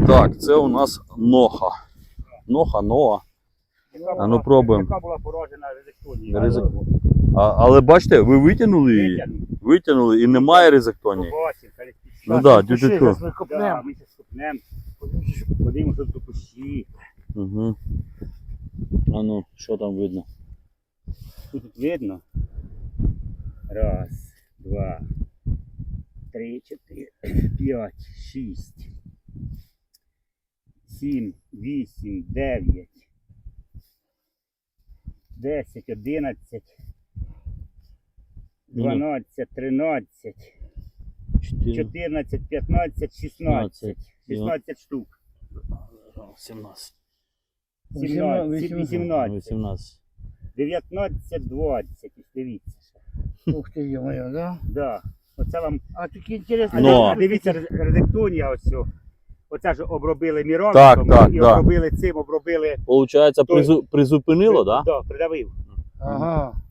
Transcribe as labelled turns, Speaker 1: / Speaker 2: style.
Speaker 1: Так, це у нас ноха. Ноа. А ну пробуємо.
Speaker 2: Яка була поражена резектонією.
Speaker 1: Але бачите, ви витягнули її? Витягнули і немає резектонії. Ну так, дюдюку.
Speaker 2: Ми зараз копнемо. Подивимося до кущі.
Speaker 1: Угу. А ну, що там видно?
Speaker 2: Що тут видно? Раз, два, три, чотири, п'ять, шість, сім, вісім, дев'ять, 10, 11, 12, 13, 14, 15, 16. 16 штук.
Speaker 1: 17.
Speaker 2: 18, 19, 20. Дивіться.
Speaker 3: Ух ти, йо-моє, да?
Speaker 2: Да. Оце вам.
Speaker 3: А такі інтересні.
Speaker 1: Но.
Speaker 2: Дивіться, резектонія ось. Оце ж обробили міровиком
Speaker 1: Так,
Speaker 2: і
Speaker 1: да.
Speaker 2: обробили цим, обробили.
Speaker 1: Получається, призупинило, так?
Speaker 2: Так, придавив.
Speaker 3: Ага.